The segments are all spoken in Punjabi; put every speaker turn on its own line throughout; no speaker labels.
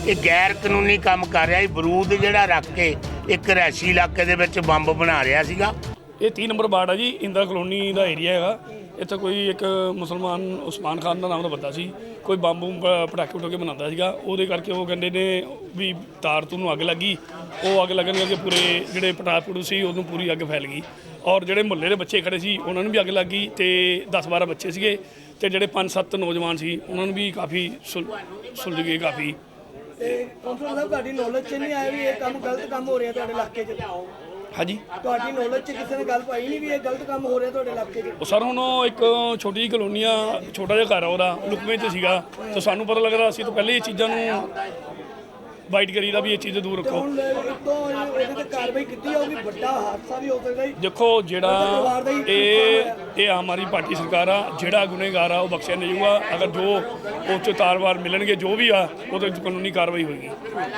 ਇਹ ਗੈਰ ਕਾਨੂੰਨੀ ਕੰਮ ਕਰ ਰਿਹਾ ਸੀ। ਬਰੂਦ ਜਿਹੜਾ ਰੱਖ ਕੇ ਇੱਕ ਰਿਹਾਇਸ਼ੀ ਇਲਾਕੇ ਦੇ ਵਿੱਚ ਬੰਬ ਬਣਾ ਰਿਹਾ ਸੀਗਾ।
ਇਹ 3 ਨੰਬਰ ਵਾਰਡ ਆ ਜੀ, ਇੰਦਰਾ ਕਲੋਨੀ ਦਾ ਏਰੀਆ ਹੈਗਾ। ਇੱਥੇ ਕੋਈ ਇੱਕ ਮੁਸਲਮਾਨ ਉਸਮਾਨ ਖਾਨ ਦਾ ਨਾਮ ਦਾ ਬੰਦਾ ਸੀ, ਕੋਈ ਬੰਬ ਪਟਾਕੇ ਪਟਾਕੇ ਬਣਾਉਂਦਾ ਸੀਗਾ। ਉਹਦੇ ਕਰਕੇ ਉਹ ਕਹਿੰਦੇ ਨੇ ਵੀ ਤਾਰ ਤੋਂ ਨੂੰ ਅੱਗ ਲੱਗੀ। ਉਹ ਅੱਗ ਲੱਗਣ ਕਰਕੇ ਪੂਰੇ ਜਿਹੜੇ ਪਟਾਕੇ ਸੀ ਉਹਨੂੰ ਪੂਰੀ ਅੱਗ ਫੈਲ ਗਈ। ਔਰ ਜਿਹੜੇ ਮੁਹੱਲੇ ਦੇ ਬੱਚੇ ਖੜੇ ਸੀ ਉਹਨਾਂ ਨੂੰ ਵੀ ਅੱਗ ਲੱਗ ਗਈ ਤੇ 10-12 ਬੱਚੇ ਸੀਗੇ ਤੇ ਜਿਹੜੇ 5-7 ਨੌਜਵਾਨ ਸੀ ਉਹਨਾਂ ਨੂੰ ਵੀ ਕਾਫੀ ਸੁਲਝ ਗਏ ਕਾਫੀ।
ਕੌਂਸਲਰ ਸਾਹਿਬ ਤੁਹਾਡੀ ਨੌਲੇਜ 'ਚ ਨਹੀਂ ਆਇਆ ਵੀ ਇਹ ਕੰਮ ਗਲਤ ਕੰਮ ਹੋ ਰਿਹਾ ਤੁਹਾਡੇ ਇਲਾਕੇ 'ਚ?
ਹਾਂਜੀ,
ਤੁਹਾਡੀ ਨੌਲੇਜ 'ਚ ਕਿਸੇ ਨੇ ਗੱਲ ਪਾਈ ਨਹੀਂ ਵੀ ਇਹ ਗਲਤ ਕੰਮ ਹੋ ਰਿਹਾ ਤੁਹਾਡੇ ਇਲਾਕੇ 'ਚ?
ਉਹ ਸਰ ਹੁਣ ਇੱਕ ਛੋਟੀ ਜਿਹੀ ਕਲੋਨੀ ਆ, ਛੋਟਾ ਜਿਹਾ ਘਰ ਆ ਉਹਦਾ, ਲੁਕਵੇਂ 'ਚ ਸੀਗਾ ਤੇ ਸਾਨੂੰ ਪਤਾ ਲੱਗਦਾ ਅਸੀਂ ਤਾਂ ਪਹਿਲੇ ਇਹ ਚੀਜ਼ਾਂ ਨੂੰ ਵਾਈਟ ਕਰੀਦਾ ਵੀ ਇਹ ਚੀਜ਼ ਦੂਰ ਰੱਖੋ।
ਹੁਣ ਤੋਂ ਇਹਦੇ ਤੇ ਕਾਰਵਾਈ ਕੀਤੀ ਜਾਊਗੀ, ਵੱਡਾ ਹਾਦਸਾ ਵੀ ਹੋ ਸਕਦਾ ਜੀ।
ਦੇਖੋ ਜਿਹੜਾ ਇਹ ਆਮ ਆਦਮੀ ਪਾਰਟੀ ਸਰਕਾਰ ਆ, ਜਿਹੜਾ ਗੁਨੇਗਾਰ ਆ ਉਹ ਬਖਸ਼ਿਆ ਨਹੀਂ ਜਾਊਗਾ। ਅਗਰ ਜੋ ਉਹ 'ਚ ਤਾਰਵਾਰ ਮਿਲਣਗੇ ਜੋ ਵੀ ਆ ਉਹਦੇ ਕਾਨੂੰਨੀ ਕਾਰਵਾਈ ਹੋਏਗੀ।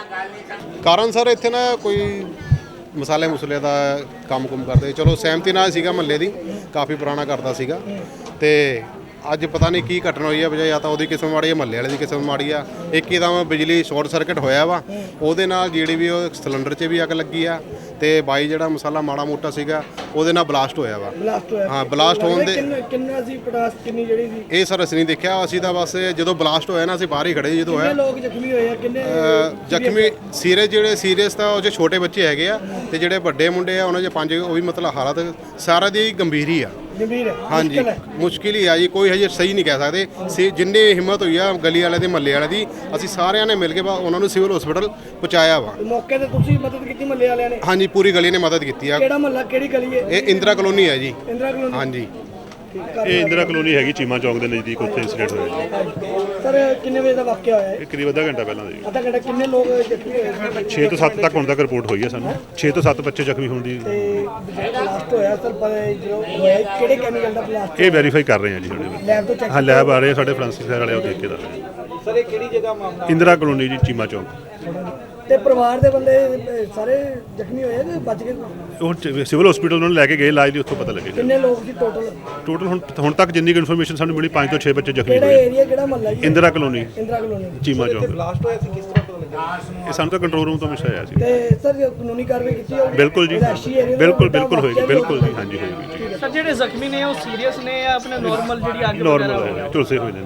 ਕਾਰਨ ਸਰ ਇੱਥੇ ਨਾ ਕੋਈ ਮਸਾਲੇ ਮੁਸਲੇ ਦਾ ਕੰਮ ਕਰਦੇ, ਚਲੋ ਸਹਿਮਤੀ ਨਾਲ ਸੀਗਾ, ਮਹੱਲੇ ਦੀ ਕਾਫੀ ਪੁਰਾਣਾ ਕਰਦਾ ਸੀਗਾ ਤੇ ਅੱਜ ਪਤਾ ਨਹੀਂ ਕੀ ਘਟਨਾ ਹੋਈ ਆ, ਬਜਾਏ ਜਾਂ ਤਾਂ ਉਹਦੀ ਕਿਸਮ ਮਾੜੀ ਆ, ਮਹੱਲੇ ਵਾਲੇ ਦੀ ਕਿਸਮ ਮਾੜੀ ਆ। ਇੱਕਦਮ ਬਿਜਲੀ ਸ਼ਾਰਟ ਸਰਕਟ ਹੋਇਆ ਵਾ, ਉਹਦੇ ਨਾਲ ਜਿਹੜੀ ਵੀ ਉਹ ਸਿਲੰਡਰ 'ਚ ਵੀ ਅੱਗ ਲੱਗੀ ਆ ਤੇ ਬਾਈ ਜਿਹੜਾ ਮਸਾਲਾ ਮਾੜਾ ਮੋਟਾ ਸੀਗਾ ਉਹਦੇ ਨਾਲ ਬਲਾਸਟ ਹੋਇਆ ਵਾ। ਹਾਂ, ਬਲਾਸਟ ਹੋਣ ਦੇ
ਕਿੰਨਾ ਸੀ ਪਟਾਸ ਕਿੰਨੀ ਜਿਹੜੀ ਸੀ?
ਇਹ ਸਰ ਅਸੀਂ ਨਹੀਂ ਦੇਖਿਆ, ਅਸੀਂ ਤਾਂ ਬਸ ਜਦੋਂ ਬਲਾਸਟ ਹੋਇਆ ਨਾ ਅਸੀਂ ਬਾਹਰ ਹੀ ਖੜੇ ਜਦੋਂ ਹੋਇਆ।
ਕਿੰਨੇ ਲੋਕ ਜ਼ਖਮੀ ਹੋਏ ਆ? ਕਿੰਨੇ
ਜ਼ਖਮੀ ਸੀਰੀਅਸ, ਜਿਹੜੇ ਸੀਰੀਅਸ ਤਾਂ ਉਹ 'ਚ ਛੋਟੇ ਬੱਚੇ ਹੈਗੇ ਆ ਤੇ ਜਿਹੜੇ ਵੱਡੇ ਮੁੰਡੇ ਆ ਉਹਨਾਂ 'ਚ 5 ਉਹ ਵੀ ਮਤਲਬ ਹਾਲਤ ਸਾਰਾ ਦੀ ਗੰਭੀਰ ਹੀ ਆ।
ਗੰਭੀਰ ਹੈ?
ਹਾਂਜੀ, ਮੁਸ਼ਕਿਲ ਹੀ ਆ ਜੀ, ਕੋਈ ਹਜੇ ਸਹੀ ਨਹੀਂ ਕਹਿ ਸਕਦੇ। ਜਿੰਨੀ ਹਿੰਮਤ ਹੋਈ ਆ ਗਲੀ ਵਾਲੇ ਦੇ ਮਹੱਲੇ ਵਾਲੇ ਦੀ, ਅਸੀਂ ਸਾਰਿਆਂ ਨੇ ਮਿਲ ਕੇ ਉਹਨਾਂ ਨੂੰ ਸਿਵਲ ਹਸਪੀਟਲ ਪਹੁੰਚਾਇਆ ਵਾ।
ਮੌਕੇ ਤੇ ਤੁਸੀਂ ਮਦਦ ਕੀਤੀ ਮਹੱਲੇ ਵਾਲਿਆਂ ਨੇ?
ਹਾਂਜੀ, ਪੂਰੀ ਗਲੀ ਨੇ ਮਦਦ ਕੀਤੀ ਆ।
ਕਿਹੜਾ ਮਹੱਲਾ, ਕਿਹੜੀ ਗਲੀ ਹੈ
ਇਹ? ਇੰਦਰਾ ਕਲੋਨੀ ਹੈ ਜੀ।
ਇੰਦਰਾ ਕਲੋਨੀ?
ਹਾਂਜੀ,
ਇਹ ਇੰਦਰਾ ਕਲੋਨੀ ਹੈਗੀ, ਚੀਮਾ ਚੌਂਕ ਦੇ ਨਜ਼ਦੀਕ ਉੱਥੇ ਇੰਸੀਡੈਂਟ ਹੋਇਆ ਜੀ।
ਸਰ ਕਿੰਨੇ ਵਜੇ ਦਾ ਵਾਕਿਆ ਹੋਇਆ ਹੈ?
ਇਹ ਕਰੀਬ ਅੱਧਾ ਘੰਟਾ ਪਹਿਲਾਂ ਜੀ।
ਅੱਧਾ ਘੰਟਾ। ਕਿੰਨੇ ਲੋਕ ਜ਼ਖਮੀ ਹੋਏ?
6 ਤੋਂ 7 ਤੱਕ ਹੁਣ ਤੱਕ ਰਿਪੋਰਟ ਹੋਈ ਹੈ ਸਾਨੂੰ। 6 ਤੋਂ 7 ਬੱਚੇ ਜ਼ਖਮੀ ਹੋਣ ਦੀ।
ਤੇ ਬਲਾਸਟ ਹੋਇਆ ਸਰ, ਜਦੋਂ ਹੋਇਆ ਕਿਹੜੇ ਕੈਮੀਕਲ ਦਾ ਬਲਾਸਟ?
ਇਹ ਵੈਰੀਫਾਈ ਕਰ ਰਹੇ ਹਾਂ ਜੀ ਸਾਡੇ।
ਲੈਬ ਤੋਂ ਚੈੱਕ?
ਹਾਂ, ਲੈਬ ਆ ਰਹੇ ਆ ਸਾਡੇ ਫੋਰੈਂਸਿਕ ਵਾਲੇ, ਉਹ ਦੇਖ ਕੇ ਦੱਸ ਰਹੇ।
ਸਰ ਇਹ ਕਿਹੜੀ ਜਗ੍ਹਾ ਮਾਮਲਾ?
ਇੰਦਰਾ ਕਲੋਨੀ ਜੀ, ਚੀਮਾ ਚੌਂਕ।
ਤੇ ਪਰਿਵਾਰ ਦੇ ਬੰਦੇ ਸਾਰੇ ਜ਼ਖਮੀ ਹੋਏ ਕਿ ਬਚ ਗਏ?
ਉਹ ਸਿਵਲ ਹਸਪੀਟਲ ਉਹਨਾਂ ਨੂੰ ਲੈ ਕੇ ਗਏ ਇਲਾਜ ਲਈ, ਉੱਥੋਂ ਪਤਾ ਲੱਗੇਗਾ।
ਕਿੰਨੇ ਲੋਕ ਸੀ ਟੋਟਲ?
ਟੋਟਲ ਹੁਣ ਤੱਕ ਜਿੰਨੀ ਕੁ ਇਨਫੋਰਮੇਸ਼ਨ ਸਾਨੂੰ ਮਿਲੀ 5 ਤੋਂ 6 ਬੱਚੇ ਜ਼ਖਮੀ
ਕਿਹੜਾ
ਹੋਏ।
ਏਰੀਆ, ਕਿਹੜਾ ਮਹੱਲਾ ਜੀ?
Indira colony,
Indira colony,
Cheema Chowk.
Blast ਹੋਇਆ ਸੀ, ਕਿਸ ਤਰ੍ਹਾਂ ਪਤਾ ਲੱਗਿਆ?
ਇਹ ਸਾਨੂੰ ਤਾਂ ਕੰਟਰੋਲ ਰੂਮ ਤੋਂ ਮਿਲਿਆ ਆਇਆ ਸੀ।
ਤੇ ਸਰ ਕਾਨੂੰਨੀ ਕਾਰਵਾਈ ਕੀਤੀ ਜਾਊਗੀ?
ਬਿਲਕੁਲ ਜੀ, ਬਿਲਕੁਲ ਹੋਏਗੀ, ਬਿਲਕੁਲ ਜੀ, ਹਾਂਜੀ ਹੋਏਗੀ ਜੀ।
ਸਰ ਜਿਹੜੇ ਜ਼ਖਮੀ ਨੇ ਉਹ ਸੀਰੀਅਸ ਨੇ ਜਾਂ ਆਪਣੇ ਨਾਰਮਲ ਜਿਹੜੀ ਅੱਗ
ਨਾਰਮਲ ਹੈ, ਝੁਲਸੇ ਹੋਏ ਨੇ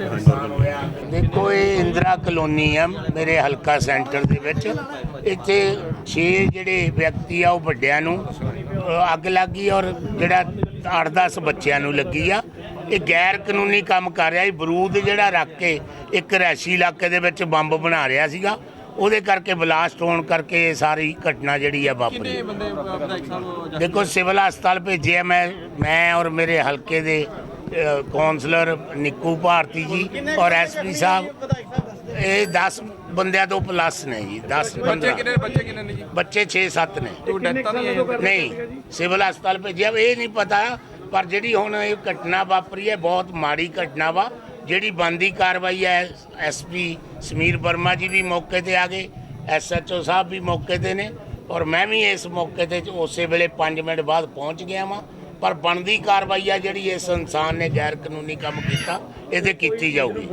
ਨਾਰਮਲ।
ਦੇਖੋ ਇਹ ਇੰਦਰਾ ਕਲੋਨੀ ਆ ਮੇਰੇ ਹਲਕਾ ਸੈਂਟਰ ਦੇ ਵਿੱਚ। ਇੱਥੇ 6 ਜਿਹੜੇ ਵਿਅਕਤੀ ਆ ਉਹ ਵੱਡਿਆਂ ਨੂੰ ਅੱਗ ਲੱਗੀ ਔਰ ਜਿਹੜਾ 8-10 ਬੱਚਿਆਂ ਨੂੰ ਲੱਗੀ ਆ। ਇਹ ਗੈਰ ਕਾਨੂੰਨੀ ਕੰਮ ਕਰ ਰਿਹਾ ਸੀ। ਬਰੂਦ ਜਿਹੜਾ ਰੱਖ ਕੇ ਇੱਕ ਰਿਹਾਇਸ਼ੀ ਇਲਾਕੇ ਦੇ ਵਿੱਚ ਬੰਬ ਬਣਾ ਰਿਹਾ ਸੀਗਾ, ਉਹਦੇ ਕਰਕੇ ਬਲਾਸਟ ਹੋਣ ਕਰਕੇ ਇਹ ਸਾਰੀ ਘਟਨਾ ਜਿਹੜੀ ਆ ਵਾਪਰੀ। ਦੇਖੋ ਸਿਵਲ ਹਸਪਤਾਲ ਭੇਜਿਆ ਮੈਂ ਔਰ ਮੇਰੇ ਹਲਕੇ ਦੇ ਕੌਂਸਲਰ ਨਿੱਕੂ ਭਾਰਤੀ ਜੀ ਔਰ ਐਸਪੀ ਸਾਹਿਬ। ਇਹ 10 ਬੰਦਿਆਂ ਤੋਂ ਪਲੱਸ ਨੇ ਜੀ। 10-15 ਬੱਚੇ 6-7 ਨੇ। ਨਹੀਂ, ਸਿਵਲ ਹਸਪਤਾਲ ਭੇਜਿਆ। ਇਹ ਨਹੀਂ ਪਤਾ, ਪਰ ਜਿਹੜੀ ਹੁਣ ਇਹ ਘਟਨਾ ਵਾਪਰੀ ਹੈ ਬਹੁਤ ਮਾੜੀ ਘਟਨਾ ਵਾ। ਜਿਹੜੀ ਬਣਦੀ ਕਾਰਵਾਈ ਹੈ, ਐਸਪੀ ਸਮੀਰ ਵਰਮਾ ਜੀ ਵੀ ਮੌਕੇ ਤੇ ਆ ਗਏ, SHO ਸਾਹਿਬ ਵੀ ਮੌਕੇ ਤੇ ਨੇ ਔਰ ਮੈਂ ਵੀ ਇਸ ਮੌਕੇ ਤੇ ਉਸੇ ਵੇਲੇ 5 ਮਿੰਟ ਬਾਅਦ ਪਹੁੰਚ ਗਿਆ ਵਾਂ। ਪਰ ਬਣਦੀ ਕਾਰਵਾਈ ਆ ਜਿਹੜੀ ਇਸ ਇਨਸਾਨ ਨੇ ਗੈਰ ਕਾਨੂੰਨੀ ਕੰਮ ਕੀਤਾ ਇਹਦੇ ਕੀਤੀ ਜਾਊਗੀ।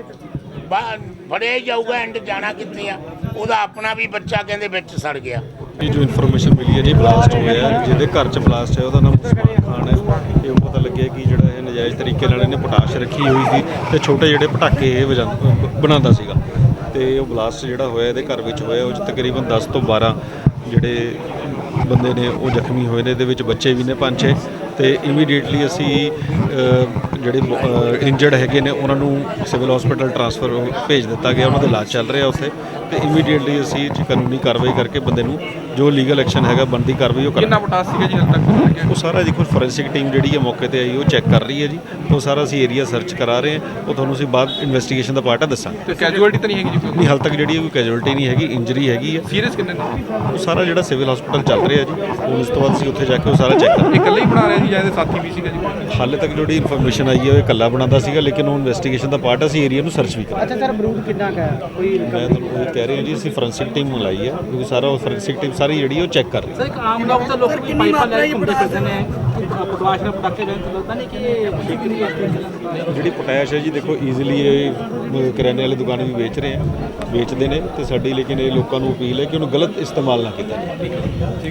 ਫੜਿਆ ਜਾਊਗਾ। ਐਂਡ ਜਾਣਾ ਕਿੱਥੇ ਆ? ਉਹਦਾ ਆਪਣਾ ਵੀ ਬੱਚਾ ਕਹਿੰਦੇ ਵਿੱਚ ਸੜ ਗਿਆ।
ਇਹ ਜੋ ਇਨਫੋਰਮੇਸ਼ਨ ਮਿਲੀ ਹੈ ਜੀ, ਬਲਾਸਟ ਹੋਇਆ, ਜਿਹਦੇ ਘਰ 'ਚ ਬਲਾਸਟ ਹੈ ਉਹਦਾ ਨਾਮ ਉਸਮਾਨ ਖਾਨ ਹੈ। ਇਹ ਪਤਾ ਲੱਗਿਆ ਕਿ ਜਿਹੜਾ ਇਹ ਨਜਾਇਜ਼ ਤਰੀਕੇ ਨਾਲ ਇਹਨੇ ਪੋਟਾਸ਼ ਰੱਖੀ ਹੋਈ ਸੀ ਤੇ ਛੋਟੇ ਜਿਹੜੇ ਪਟਾਕੇ ਇਹ ਬਣਾਉਂਦਾ ਸੀਗਾ ਤੇ ਉਹ ਬਲਾਸਟ ਜਿਹੜਾ ਹੋਇਆ ਇਹਦੇ ਘਰ ਵਿੱਚ ਹੋਇਆ। ਉਹ 'ਚ ਤਕਰੀਬਨ 10 ਤੋਂ 12 ਜਿਹੜੇ ਬੰਦੇ ਨੇ ਉਹ ਜ਼ਖਮੀ ਹੋਏ ਨੇ। ਇਹਦੇ ਵਿੱਚ ਬੱਚੇ ਵੀ ਨੇ 5-6 ਤੇ ਇਮੀਡੀਏਟਲੀ ਅਸੀਂ ਜਿਹੜੇ ਇੰਜਰਡ ਹੈਗੇ ਨੇ ਉਹਨਾਂ ਨੂੰ ਸਿਵਲ ਹਸਪੀਟਲ ਟ੍ਰਾਂਸਫਰ ਭੇਜ ਦਿੱਤਾ ਗਿਆ। ਉਹਨਾਂ ਦਾ ਇਲਾਜ ਚੱਲ ਰਿਹਾ ਉੱਥੇ ਤੇ ਇਮੀਡੀਏਟਲੀ ਅਸੀਂ ਕਾਨੂੰਨੀ ਕਾਰਵਾਈ ਕਰਕੇ ਬੰਦੇ ਨੂੰ ਜੋ ਲੀਗਲ ਐਕਸ਼ਨ ਹੈਗਾ ਬਣਦੀ ਕਾਰਵਾਈ ਉਹ
ਕਿੰਨਾ ਪੋਟਾਸ ਸੀਗਾ ਜੀ ਹਾਲ ਤੱਕ?
ਉਹ ਸਾਰਾ ਦੇਖੋ ਫੋਰੈਂਸਿਕ ਟੀਮ ਜਿਹੜੀ ਹੈ ਮੌਕੇ ਤੇ ਆਈ ਉਹ ਚੈੱਕ ਕਰ ਰਹੀ ਹੈ ਜੀ। ਉਹ ਸਾਰਾ ਅਸੀਂ ਏਰੀਆ ਸਰਚ ਕਰਾ ਰਹੇ ਹਾਂ। ਉਹ ਤੁਹਾਨੂੰ ਅਸੀਂ ਬਾਅਦ ਇਨਵੈਸਟੀਗੇਸ਼ਨ ਦਾ ਪਾਰਟ ਦੱਸਾਂਗੇ।
ਤੇ ਕੈਜੂਅਲਟੀ ਤਾਂ ਨਹੀਂ ਹੈਗੀ ਜੀ?
ਨਹੀਂ, ਹਾਲ ਤੱਕ ਜਿਹੜੀ ਕੋਈ ਕੈਜੂਅਲਟੀ ਨਹੀਂ ਹੈਗੀ, ਇੰਜਰੀ ਹੈਗੀ ਹੈ।
ਸੀਰੀਅਸ ਕਿੰਨੇ ਨੇ?
ਉਹ ਸਾਰਾ ਜਿਹੜਾ ਸਿਵਲ ਹਸਪੀਟਲ ਚੱਲ ਉਤਰੇ ਆ ਜੀ। ਹੁਣ ਇਸ ਤੋਂ ਬਾਅਦ ਅਸੀਂ ਉੱਥੇ ਜਾ ਕੇ ਉਹ ਸਾਰਾ ਚੈੱਕ ਕਰਾਂਗੇ।
ਇਕੱਲੇ ਹੀ ਬਣਾ ਰਿਹਾ ਜੀ ਜਾਂ ਇਹਦੇ ਸਾਥੀ ਵੀ ਸੀਗਾ ਜੀ?
ਹਾਲੇ ਤੱਕ ਜਿਹੜੀ ਇਨਫੋਰਮੇਸ਼ਨ ਆਈ ਹੈ ਉਹ ਇਕੱਲਾ ਬਣਾਉਂਦਾ ਸੀਗਾ, ਲੇਕਿਨ ਉਹ ਇਨਵੈਸਟੀਗੇਸ਼ਨ ਦਾ ਪਾਰਟ ਅਸੀਂ ਏਰੀਆ ਨੂੰ ਸਰਚ ਵੀ ਕਰਾਂਗੇ।
ਅੱਛਾ ਸਰ, ਬਰੂਦ ਕਿੰਨਾ ਕੁ ਹੈ? ਕੋਈ
ਮੈਂ ਤੁਹਾਨੂੰ ਇਹ ਕਹਿ ਰਿਹਾ ਜੀ, ਅਸੀਂ ਫੋਰੈਂਸਿਕ ਟੀਮ ਮੰਗਾਈ ਹੈ, ਕਿਉਂਕਿ ਸਾਰਾ ਉਹ ਫੋਰੈਂਸਿਕ ਟੀਮ ਸਾਰੀ ਜਿਹੜੀ ਉਹ ਚੈੱਕ ਕਰ ਰਹੀ ਹੈ।
ਸਰ, ਇੱਕ ਆਮ ਲੋਕ ਤਾਂ ਲੋਕ ਪਾਈਪਾਂ ਲੈ ਕੇ ਘੁੰਮਦੇ ਫਿਰਦੇ ਨੇ, ਪਟਵਾਸ਼ ਨਾਲ ਪਟਾਕੇ ਲੈਣ ਤੋਂ ਲੱਗਦਾ ਨਹੀਂ ਕਿ ਇਹ ਬਿਕਰੀ ਵਾਸਤੇ
ਜਿਹੜੀ ਪੋਟੈਸ਼ ਹੈ ਜੀ, ਦੇਖੋ ਈਜ਼ੀਲੀ ਇਹ ਕਰਿਆਨੇ ਵਾਲੀ ਦੁਕਾਨ ਵੀ ਵੇਚਦੇ ਨੇ, ਤੇ ਸਾਡੀ ਲੇਕਿਨ ਇਹ ਲੋਕਾਂ ਨੂੰ ਅਪੀਲ ਹੈ ਕਿ ਉਹਨੂੰ ਗਲਤ ਇਸਤੇਮਾਲ ਨਾ ਕੀਤਾ ਜਾਵੇ।